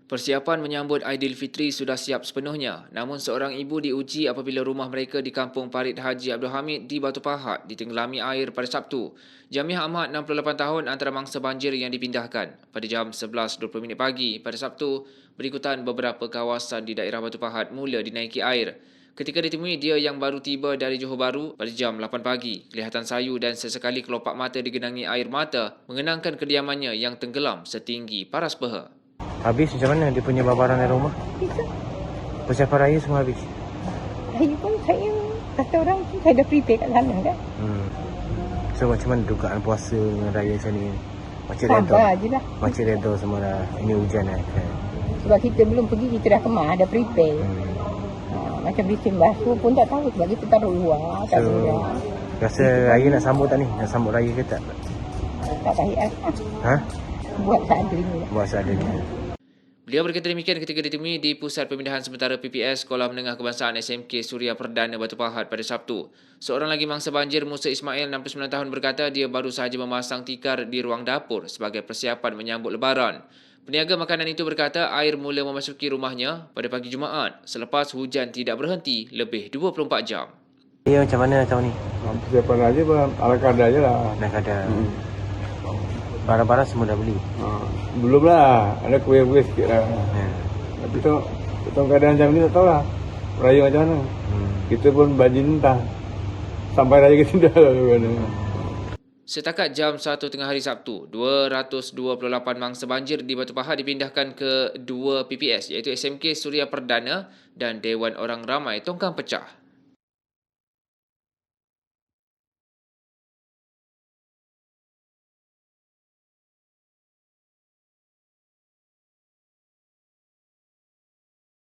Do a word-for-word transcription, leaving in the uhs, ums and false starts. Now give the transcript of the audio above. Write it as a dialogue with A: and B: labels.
A: Persiapan menyambut Aidilfitri sudah siap sepenuhnya. Namun seorang ibu diuji apabila rumah mereka di Kampung Parit Haji Abdul Hamid di Batu Pahat ditenggelami air pada Sabtu. Jamiah Ahmad, enam puluh lapan tahun, antara mangsa banjir yang dipindahkan. Pada jam sebelas dua puluh minit pagi pada Sabtu, berikutan beberapa kawasan di daerah Batu Pahat mula dinaiki air. Ketika ditemui dia yang baru tiba dari Johor Bahru pada jam lapan pagi, kelihatan sayu dan sesekali kelopak mata digenangi air mata mengenangkan kediamannya yang tenggelam setinggi paras peha.
B: Habis macam mana dia punya barang dari rumah?
C: Itu.
B: Persiapan raya semua habis?
C: Saya pun saya kata orang pun saya dah prepare kat sana kan.
B: Hmm. So macam mana dugaan puasa dengan raya macam ni? Macam redha?
C: Sabar je lah.
B: Macam redha semua dah. Ini hujan kan?
C: Sebab kita belum pergi, kita dah kemas, dah prepare.
B: Hmm.
C: Ha, macam bising basuh pun tak tahu sebab kita taruh luar, tak
B: So,
C: luar.
B: rasa raya nak sambut tak ni? Nak sambut raya ke tak?
C: Tak baik lah.
B: Ha?
C: Buat seadanya lah.
B: Buat seadanya.
A: Beliau berkata demikian ketika ditemui di Pusat Pemindahan Sementara P P S Sekolah Menengah Kebangsaan S M K Suria Perdana Batu Pahat pada Sabtu. Seorang lagi mangsa banjir, Musa Ismail, enam puluh sembilan tahun, berkata dia baru sahaja memasang tikar di ruang dapur sebagai persiapan menyambut lebaran. Peniaga makanan itu berkata air mula memasuki rumahnya pada pagi Jumaat selepas hujan tidak berhenti lebih dua puluh empat jam.
B: Ya, macam mana tahun ni?
D: Persiapan aja ala kadar je lah.
B: Dah kadar.
D: Hmm.
B: Barang-barang semua dah beli?
D: Ha, belum lah. Ada kuih-kuih sikit lah.
B: Ya.
D: Tapi tu, tentang keadaan macam ni tak tahu lah. Raya macam mana.
B: Hmm.
D: Kita pun banjir entah. Sampai raya kita dah lah. Mana.
A: Setakat jam satu tengah hari Sabtu, dua ratus dua puluh lapan mangsa banjir di Batu Pahat dipindahkan ke dua P P S iaitu S M K Suria Perdana dan Dewan Orang Ramai Tongkang Pecah.